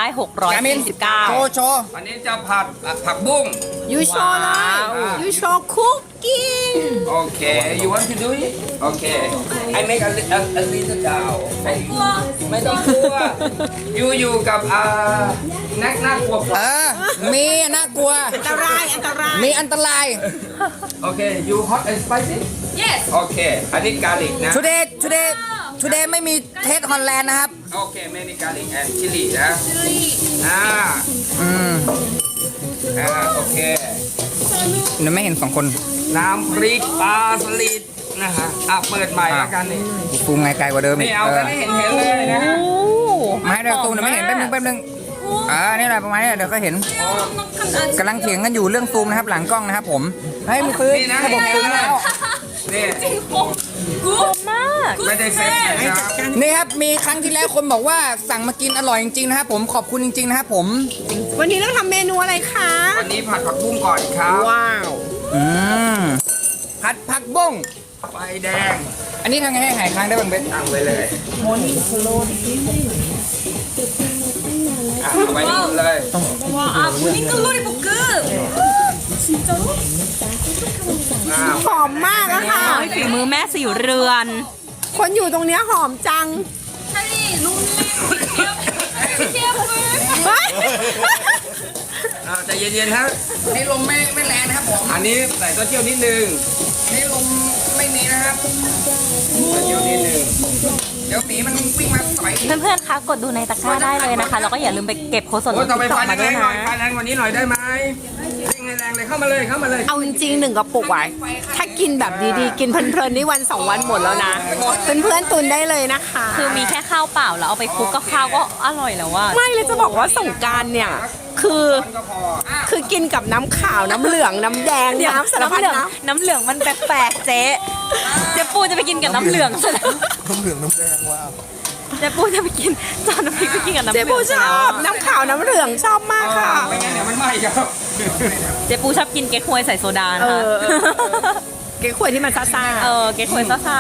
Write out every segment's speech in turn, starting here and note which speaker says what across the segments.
Speaker 1: โชว์โชว์
Speaker 2: อันนี้จะผัดผักบุ้ง
Speaker 3: ยูโชว์เลยยูโชว์คุกกิ้ง
Speaker 2: โอเค you want to do it โอเค I make a little down ไม่ต้องกลัวอยู่กับน่ากลัวกว่า
Speaker 1: มีน่ากลัว
Speaker 3: อันตรายอันตราย
Speaker 1: มีอันตราย
Speaker 2: โอเค you hot and spicy
Speaker 4: Yes
Speaker 2: โอเค อันนี้กาลิกนะ
Speaker 1: today ไม่มีเทสฮอลแลนด์นะครับ
Speaker 2: โอเคไม่มีกาลิกแอนชิลลี่นะ โอเค
Speaker 1: หนูไม่เห็นสองคน
Speaker 2: น้ำพริกปลาสลิดนะฮะเปิดใหม่แล้วกันนี่
Speaker 1: ฟูงไงไกลกว่าเดิมอี
Speaker 2: นี่
Speaker 1: ก
Speaker 2: เอากันให้เห็นเลยนะฮะ
Speaker 1: มาให้เดี๋ยวฟูหนูไม่เห็นแป๊บนึงนี่แหละประมาณนี้เดี๋ยวก็เห็นกำลังเถียงกันอยู่เรื่องซูมนะครับหลังกล้องนะครับผมให้มันซื้อ
Speaker 2: นี่นะ
Speaker 1: ระบบซูมแล้ว
Speaker 2: นี่
Speaker 4: good มาก
Speaker 2: ไม่ได้เซ็ตนะครับ
Speaker 1: นี่ครับมีครั้งที่แล้วคนบอกว่าสั่งมากินอร่อยจริงๆนะครับผมขอบคุณจริงๆนะครับผม
Speaker 3: วันนี้เราทำเมนูอะไรคะ
Speaker 2: วันนี้ผัดผักบุ้งก่อนครับ
Speaker 3: ว้าว
Speaker 1: ผัดผักบุ้ง
Speaker 2: ไฟแดง
Speaker 1: อันนี้ทำไงให้หายค้างได้บ้างเบส
Speaker 2: ตั้งไว้เลยเอาไว้นี่เลย
Speaker 4: 와, 모닝글로리 볶음.
Speaker 3: หอมมากอะค่ะ
Speaker 4: ฝีมือแม่สีเรือน
Speaker 3: คนอยู่ตรงเนี้ยหอมจัง
Speaker 4: 찰리, 롱리, 케어풀.
Speaker 3: เฮ้ย
Speaker 2: ใจเย็นๆครับ
Speaker 1: นี่ลมไม่แรงนะครับผม
Speaker 2: อันนี้ใส่เต้าเจี้ยวนิดนึง
Speaker 1: นี่ลมไม่มีนะครับ
Speaker 2: เต้าเจี้ยวนิดนึง
Speaker 1: เดี๋ยวหมีมันวิ่งมาสอย
Speaker 4: เพื่อนๆ คะ กดดูในตะกร้าได้เลยนะคะ แล้วก็อย่าลืมไปเก็บโค้ดส่วนล
Speaker 2: โอ้
Speaker 4: ด
Speaker 2: ต่อไป
Speaker 4: ติ๊กต็
Speaker 2: ไฟ
Speaker 4: อกมา
Speaker 2: แร
Speaker 4: ด้วย
Speaker 2: งๆหน่
Speaker 4: นะ
Speaker 2: อยไฟแรงกว่านี้หน่อยได้ไหมเร่งแรงเลยเข้ามาเลยเข้ามาเลย
Speaker 3: เอาจริงๆ1 กระปุกไว้ถ้ากินแบบดีๆ กินเพลินๆนี่วัน 2 วันหมดแล้วนะ เพื่อนๆตุนได้เลยนะคะ
Speaker 4: คือมีแค่ข้าวเปล่าแล้วเอาไปคลุกกับข้าวก็อร่อยแล้วว่า
Speaker 3: ไม่เลยจะบอกว่าสงกรานต์เนี่ย คือกินกับน้ำขาวน้ำเหลืองน้ำแดงน้ำสารพัดน้ำ
Speaker 4: น้ำเหลืองมันแปลกๆเจ๊ปูจะไปกินกับน้ำเหลืองซะแล้ว
Speaker 1: น้ำเหลืองน้ำแดงว้าว
Speaker 4: เจ๊ปูจะไปกินจานน้ำพริกไปกินกับน้ำเห
Speaker 3: เจ๊
Speaker 4: ลือง
Speaker 3: ปูชอบน้ำขาวน้ำเหลืองชอบมากค่ะ
Speaker 2: ไม่งั้นเดี๋ยวมันไหม้ครับ
Speaker 4: เจ๊ปูชอบกินเก๊กฮวยใส่โซดานะคะ
Speaker 3: เก๊กขวยที่มันซ่าๆ
Speaker 4: เก๊กฮวยซ่า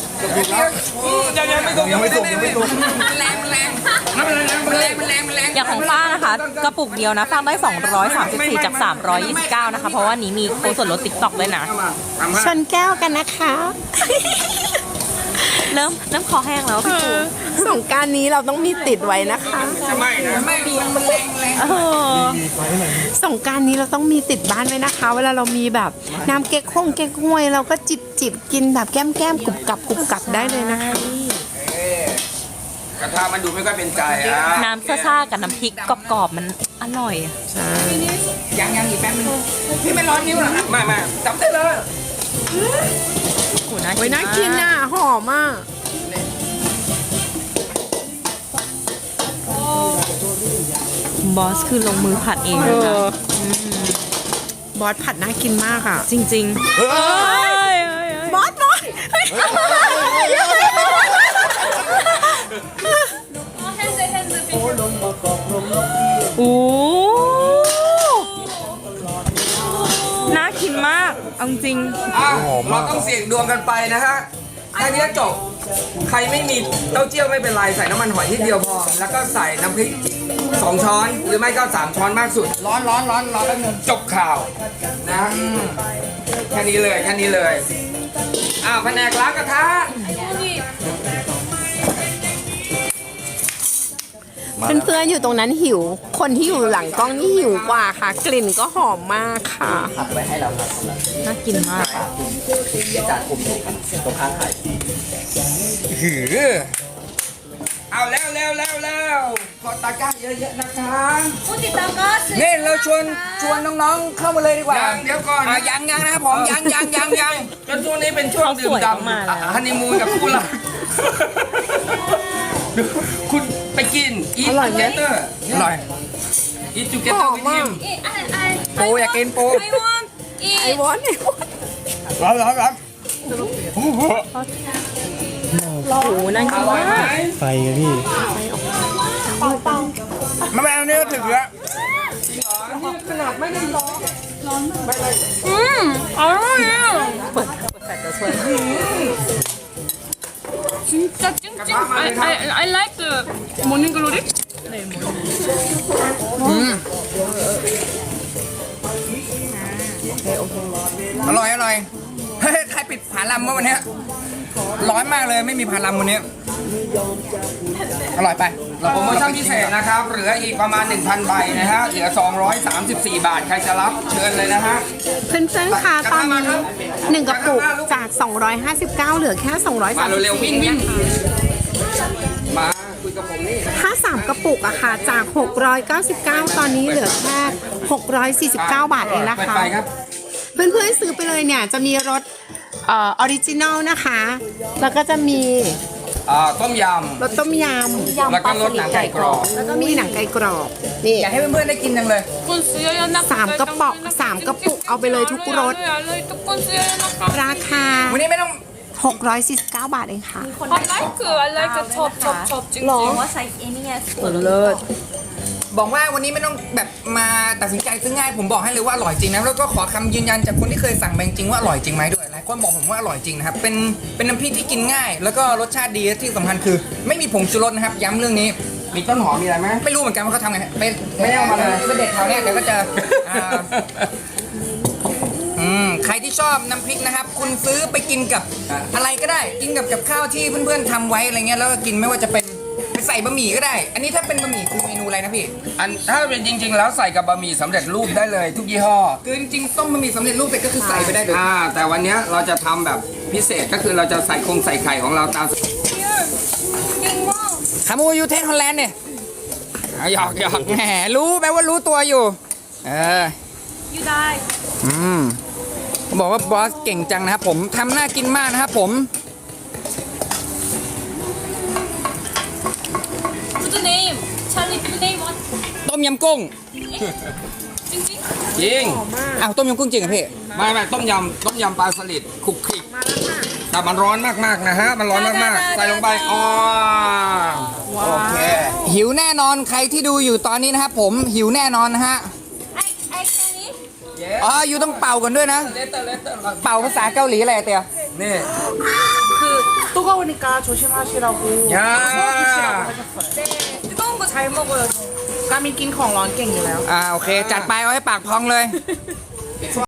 Speaker 2: ยังไม่สุก
Speaker 1: แรง
Speaker 4: ๆอย่างของฟ้านะคะ กระปุกเดียวนะฟ้าได้234จาก329นะคะ เพราะว่านี้มีโค้ดส่วนลดติ๊กต็อกด้วยนะ
Speaker 3: ชนแก้วกันนะคะ
Speaker 4: เริ่มคอแห้งแล้วพี่ปู
Speaker 3: สงกรารนี้เราต้องมีติดไว้นะคะ
Speaker 2: จะไหม้นะ
Speaker 1: ไม่ดีมันแรง
Speaker 4: เออ
Speaker 3: สงกรารนี้เราต้องมีติดบ้านไว้นะคะ เวลาเรามีแบบน้ำเก๊กฮวยเราก็จิบกินแบบแก้มกรุบกรับได้เลยนะคะ
Speaker 2: กระทะมันดูไม่ค่อยเป็นใจอ่ะ
Speaker 4: น้ำซ่าๆกับน้ำพริกกรอบๆมันอร่อย
Speaker 1: ยังอีกแป๊บนึงพี่ไม่ร้อนนิ้วเหรอครับ
Speaker 2: ไม่จับได้เลย
Speaker 4: โอ้น่า
Speaker 3: โอ้ยน่า
Speaker 4: กิ
Speaker 3: กิ
Speaker 4: น
Speaker 3: น
Speaker 4: มาก
Speaker 3: น่ะหอมอ่ะ
Speaker 4: บอสคือลงมือผัดเองเลยนะ
Speaker 3: บอสผัดน่ากินมากอ่ะ
Speaker 4: จริงๆเฮ้ย
Speaker 3: บอส
Speaker 4: โอ้น่ากินมากเอาจริง
Speaker 2: เราต้องเสี่ยงดวงกันไปนะฮะแค่นี้จบ ใครไม่มีเต้าเจี้ยวไม่เป็นไร ใส่น้ำมันหอยนิดเดียวพอ แล้วก็ใส่น้ำพริก2 ช้อน หรือไม่ก็3 ช้อนมากสุด
Speaker 1: ร้อนแป๊บนึง
Speaker 2: จบข่าวนะแค่นี้เลยแผนกล้างกระทะ
Speaker 3: เพื่อนๆอยู่ตรงนั้นหิว คนที่อยู่หลังกล้องนี่หิวกว่าค่ะ กลิ่นก็หอมมากค่ะ
Speaker 4: น่ากินมาก
Speaker 1: หือ
Speaker 2: เอาแล้วกดตะกร้าเยอะๆนะคะ
Speaker 1: นี่เราชวนน้องๆเข้ามาเลยดีกว่า
Speaker 2: ยังเดี๋ยวก่อน
Speaker 1: ยังนะครับผมยัง
Speaker 2: จนช่วงนี้เป็นช่วงดื่มด่ำฮันนีมูนกับคู่รักคุณไปกินอีท
Speaker 3: อร่อยไหม
Speaker 2: เกเตอร์
Speaker 1: อร่อย
Speaker 2: อีทจูเกเตอร์วิทิม
Speaker 1: ปูอยากกินปู
Speaker 3: ไอ้วอน
Speaker 1: ร้อน
Speaker 4: โอ้โหน่ากิน
Speaker 2: อร่อยไหม
Speaker 4: มาก
Speaker 5: ไฟอะพี่
Speaker 1: มาแบบนี้ก็ถึงแล้ว
Speaker 4: อร่อยอ่ะเปิดแฟลชจะช่วย
Speaker 6: 진짜 찡찡. I like the morning glory.
Speaker 1: อืมอร่อยอร่อยเฮ้ยใครปิดผาลำเมื่อวันเนี้ยร้อนมากเลยไม่มีผาลำวันนี้อร่อยไป
Speaker 2: โปรโมชั่นพิเศษนะครับเหลืออีกประมาณ 1,000 ใบนะฮะเหลือ 234 บาทใครจะรับเชิญเลยนะฮะ
Speaker 3: เพื่อนๆคะตอนนี้หนึ่งกระปุกจาก 259 เหลือแค่
Speaker 2: มาเร็วๆวิ่ง
Speaker 3: 234
Speaker 2: วิ่ง
Speaker 3: นะคะ
Speaker 2: มาคุยกับผมนี่
Speaker 3: ถ้า 3 กระปุกอะค่ะจาก 699 ตอนนี้เหลือแค่ 649 บาทเองนะ
Speaker 2: เปิด
Speaker 3: คะ
Speaker 2: ไฟครับ
Speaker 3: เพื่อนๆซื้อไปเลยเนี่ยจะมีรสออริจินอลนะคะ แล้วก็จะมี
Speaker 2: ต้มย
Speaker 3: รสต้มย
Speaker 2: ำแล้วก็รสหนังไก่กรอบ
Speaker 3: ำแล้วก็มีหนังไก่กรอบนี่
Speaker 1: อยากให้เพื่อนๆได้กินจังเลย
Speaker 3: 3 กระป๋อง3 กระปุกเอาไปเลยทุกรสราคา
Speaker 1: วันนี้ไม่ต้อง
Speaker 3: 649 บาทเองค่ะ
Speaker 4: I like 첩จริงๆว่าไซส์เอนี่ไงสวยเลย
Speaker 1: บอกว่าวันนี้ไม่ต้องแบบมาตัดสินใจซื้อง่ายผมบอกให้เลยว่าอร่อยจริงนะแล้วก็ขอคำยืนยันจากคนที่เคยสั่งมาจริงๆว่าอร่อยจริงไหมด้วยหลายคนบอกผมว่าอร่อยจริงนะครับเป็นน้ำพริกที่กินง่าย แล้วก็รสชาติดีและที่สำคัญคือ ไม่มีผงชูรสนะครับย้ำเรื่องนี้
Speaker 2: มีต้นหอมมีอะไรไหม
Speaker 1: ไม่รู้เหมือนกันว่าเขาทำไงไป
Speaker 2: ไม่ได้เอามาเลย
Speaker 1: ไปเด็ดแถวเนี้ยเดี๋ยวก็จะใครที่ชอบน้ำพริกนะครับ คุณซื้อไปกินกับอะไรก็ได้ กินกับข้าวที่เพื่อนๆทำไว้อะไรเงี้ยแล้วก็กินไม่ว่าจะเป็นไปใส่บะหมี่ก็ได้ อันนี้ถ้าเป็นบะหมี่คือเมนูอะไรนะพี่
Speaker 2: ถ้าเป็นจริง ๆ แล้วใส่กับบะหมี่สำเร็จรูปได้เลยทุกยี่ห้อ
Speaker 1: คือจริงๆต้มบะหมี่สำเร็จรูปเสร็จก็คือใส่ไปได้เลย
Speaker 2: แต่วันเนี้ยเราจะทำแบบพิเศษก็คือเราจะใส่ใส่ไข่ของเราตาม
Speaker 1: ขามูยูเทสฮอลแลนด์เนี่ยหยอกแหมรู้แปลว่ารู้ตัวอยู่
Speaker 4: ยูได้
Speaker 1: ผมบอกว่าบอสเก่งจังนะครับผมทำน่ากินมากนะครับผม
Speaker 4: What's the name Charlie the name what
Speaker 1: ต้มยำกุ้ง
Speaker 4: จริง
Speaker 2: จริง
Speaker 1: อ้าวต้มยำกุ้งจริงเหรอพี่
Speaker 2: ไม่ต้มยำปลาสลิดคลุกคลิกแต่มันร้อนมากๆนะฮะมันร้อนมากๆใส่ลงไปอ๋อโอเค
Speaker 1: หิวแน่นอนใครที่ดูอยู่ตอนนี้นะครับผมหิวแน่นอนนะฮะ
Speaker 4: ไอ้แค่นี้
Speaker 1: อ๋ออยู่ต้องเป่ากันด้วยนะ เป่าภาษาเกาหลีอะไรอะเตีย
Speaker 2: นี่
Speaker 5: 뜨거우니까 조심하시라고
Speaker 2: ย่า
Speaker 5: 뜨거운 거 잘 먹어요 까미 낀ของร้อนเก่งอยู่แล้ว
Speaker 1: โอเค จัดไปเอาให้ปากพองเลย